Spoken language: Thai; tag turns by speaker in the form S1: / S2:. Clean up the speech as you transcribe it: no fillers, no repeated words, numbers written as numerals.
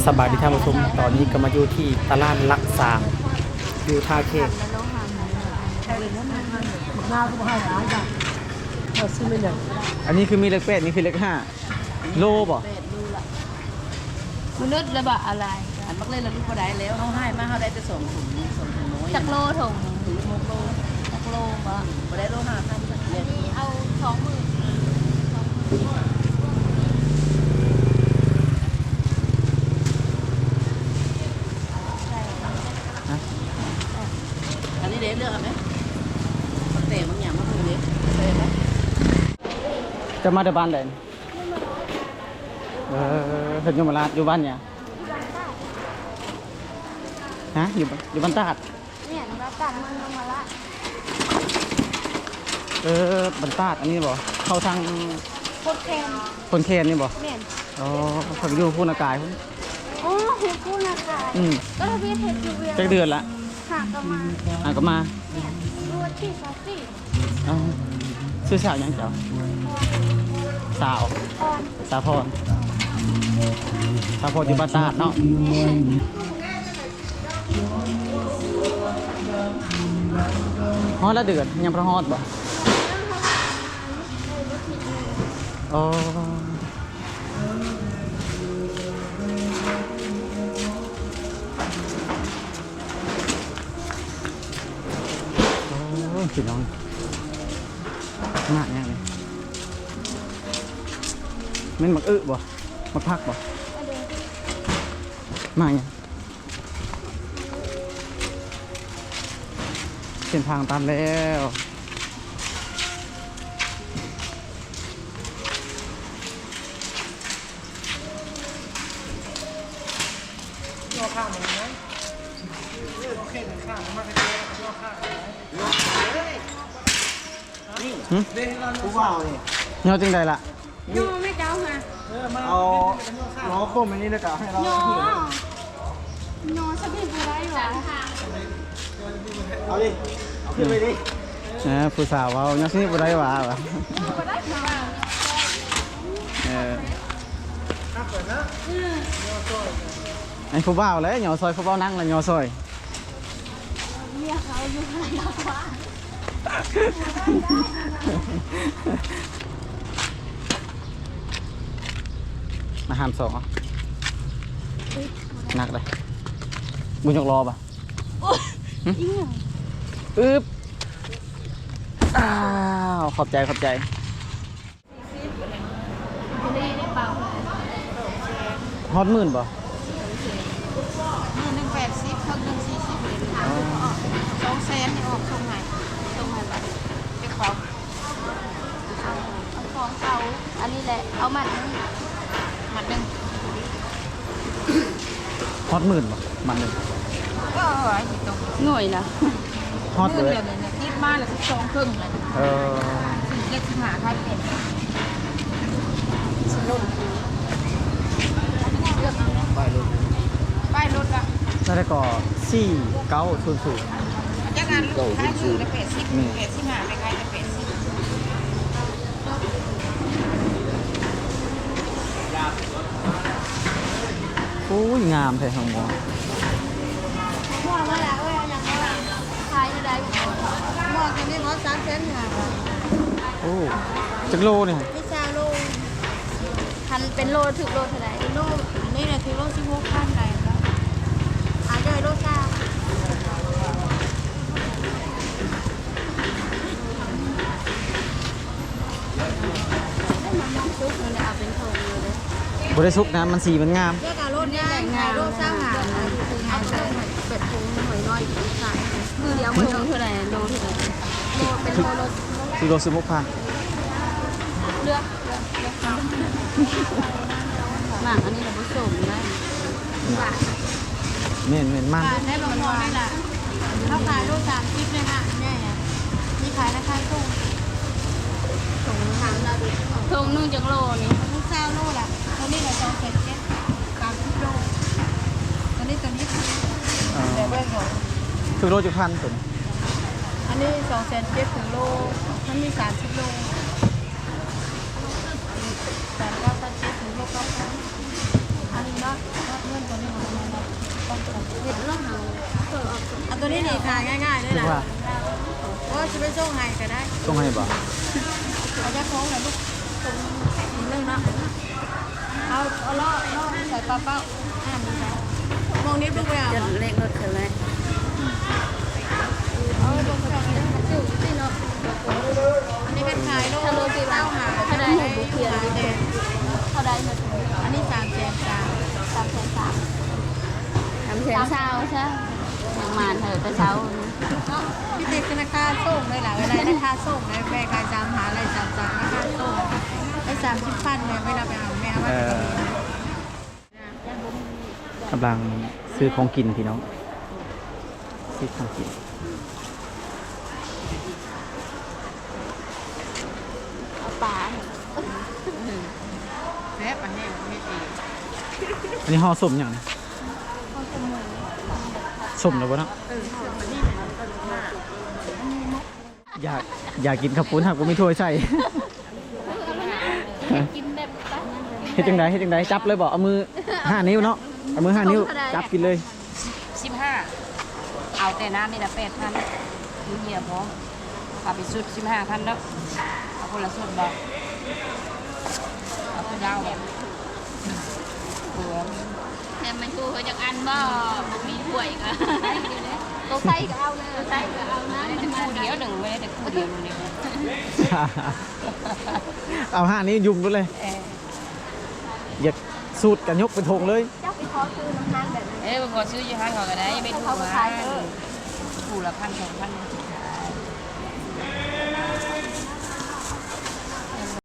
S1: สบายดีท่านผู้ชมตอนนี้ก็มาอยู่ที่ตลาดลักษาอยู่ท่าเขต
S2: หน้าก็ไม่ให้ร้ายจ้ะเราซื้อไม่เลย
S1: อันนี้คือมีเลข8นี่คือเลข5โลบ่
S3: มนุษย์ระบะอะไร
S4: อันมักเล่นแล้วลูกก็ได้แล้วเขาให้มาเขาได้จะส่งถุงน้อย
S3: จักโลถุง
S4: ถุง6 โล
S3: จักโลบ่
S4: บ่ได้โล5,000สักเดือน
S3: นี่เอา20,000
S4: อันนี้เด็เลือกเอาไหมเตะบางอย่างมาพูดเด็เตะไหม
S1: จะมาเดบ้านใดเพิ่นอยู่มาลาดอยู่บ้านเนี่ยฮะอยู่บ้านตาด
S3: เนี่ยเราตัดมันลงมาละ
S1: บ้านตาดอันนี้บ่เข้าทาง
S3: โคตรแคน
S1: คนเคนนี่บ่
S3: แม่น
S1: อ๋อเขาอยู่พูนอากาศพุ่น
S3: โอ้โหกูนะคะ ก็ทวีเทคยูเวีย
S1: จักเดือนละ
S3: หากกันมา
S1: ก็มา
S3: เนี่ยรูดที่ซอสซี่
S1: อ๋อชื่อสาวหยังเจ้าสาว
S3: ออน
S1: สาวพรสาวพรอยู่บ้านตาดเนาะฮอดละเดือนยังพระฮอดบ่อ๋อโอ้พี่น้องมากแน่เลยมันมักบ่มักพักบ่มาเนี่ยเส้นทางตันแล้ว
S2: ย่อข้างมันนะโอเคหนึ่งข้างมากเลยย่อข้างนี่กูว่านี่
S1: เงาจริงใดล่ะ
S3: โยไม่เจ้าค่ะ
S2: เอาล้อโค้งอันนี้เลยกะให้เรา
S3: โยโยสบีบูไรหรอ
S2: เอาดิเอาขึ้นไปดิ
S1: ผู้สาวเว้ายังสิบ่ได้ว่าว่ะ
S3: บูไรหรอ
S2: ข้าเปิดนะ
S1: ไอ้ผู้บ่าวเลยเหยอซอยผู้บ่าวนั่งแล้วเหยอซอย
S3: เมียเขาอยู่ไหนแล้ววะ
S1: มาหามสองหนักเลยบุญยกรอป่ะ
S3: อิ้ง
S1: อึ๊บอ้าวขอบใจ
S3: จะได้เปล่า
S1: ฮอตหมื่นป่ะ
S3: 180เพิ่ม140เลย200,000นี่ออกตรงไหนแบบเก็บของเอาของเขาอันนี้แหละเอามัดนึง
S1: ฮอตหมื่นป่ะมันเลย
S3: ก็หน่วยนะ
S1: ฮอตเลย
S3: คิดมาแล้วก็2ครึ่งเลย
S1: เออ
S3: เล็กสิหาใครเป็นสนุนเลือกเอาป้ายรถอะ
S1: แล้วก็4900
S3: จากงานลูกค้าคือละ80หาไปใครจะ80
S1: โอ้ยงามแท้ทางมอง
S3: ม่วงมาแล้วอย่างนี้ขายได้ม่วงกันนี่เขา300,000หา
S1: โอ้จักโลเนี่ย
S3: ไม่ซาโลพันเป็นโลถึงโลเท่าไหร่โลนี่แหละคือโล16,000ไหนแล้วได้โลซ่าซุปมันเอาเป็นทงเลย
S1: บ่ได้ซุกนะมันสีมันงาม
S3: เรียกเอาโลดง่ายขายโลดสร้างหาเอาใส่เป็ดทงหน่อยน้อยขายคือเดี๋ยวมันเท่าไหร่โลเท่าไหร่โลเป็นโลโล
S1: กิโล16,000
S3: เลือกหนังอันนี้เราผสมได้บาท
S1: เม่นมัน
S3: บาทได้บางคนได้ละถ้าขายโล30เลยค่ะแน่นี่ขายราคาส่งทางเราดูทงนึ่งจากโลนี่ทุกเจ้าโลละตอนนี้เรา270 30โลตอนนี้แต่เบิ้ลของ
S1: ถึงโลจุพันตัว
S3: อันนี้270ถึงโลมันมี30โล397ถึงโล9,000อันนี้เนาะเงินตัวนี้เห็ดร่องเฮาเปิดออก
S4: เอาตัวนี้นี่ขายง่ายๆเลย
S1: คิด
S4: ล่ะ
S1: ว่า
S4: โอ้จะไปส่งให้ก็ได้
S1: ต้องให้บ่
S4: เอาแค่โค้งหน่อยลูกตรงเรื่องเนาะเอาล่อใส่ปลาเป้ามีใช่มองนิดลูกไปเอาจะเล็กรถเธอไหม
S3: เอาลงไปเอาเนี่ยมันจุสิเนาะ
S4: อันนี้เป็นขายโลสิเต้าหา
S3: ถ้าได้
S4: ขายแดง
S3: เท่าใดเนาะ
S4: อันนี้300,000
S3: 300,000ใช่ยังมานเถอะแต่เช้า
S4: พี่ติดธนาคารส่งเลยหล่ะเวลาราคาส่งเลยแม่ขาย3หาอะไร3ราคาส่งไอ้30,000แม่ไม่รับไปเอาแม่เอา
S1: เอ
S4: ไว้
S1: อกำลังซื้อของกินพี่น้องซื้อของกิน
S3: เอาปลา
S4: แซ่บอันนี้ไม่ดี
S1: อันนี้ห่อสมอย่างนี้สมแล้วบ่เนาะอยากกินข้าวปุ้นหากกูไม่ถ้วยใส่
S3: กินแบบปลา
S1: เฮ็ดจังไดจับเลยบ่เอามือ5 นิ้วเนาะเอามือ5 นิ้วจับกินเลย
S4: 15เอาแต่น้ำนี่ละ8,000มีเหี้ยพร้อมเอาไปสุด15,000แล้วเอาคนละสุดบ่เอาคนยาวแบบหัว
S3: แต่มันกูเขาจากอันบ่มีถ้วยก็ตัวไส้ก็เอาเลยตัวไส้ก็เอานะ
S4: ไม่ได้แต่คู่เดียวหนึ่งไม่ได้แต่คู่เดียวนึง
S1: เอา5 นิ้วยุ่มเลยอยากสูตรกันยกเป็นธงเลย
S3: เจ้าไปขอซื้อน้ำมันแบบนั้น
S4: บางคนซื้อยี่ห้อเขาก็ได้ไม่ถูกนะคู่ละ1,000 2,000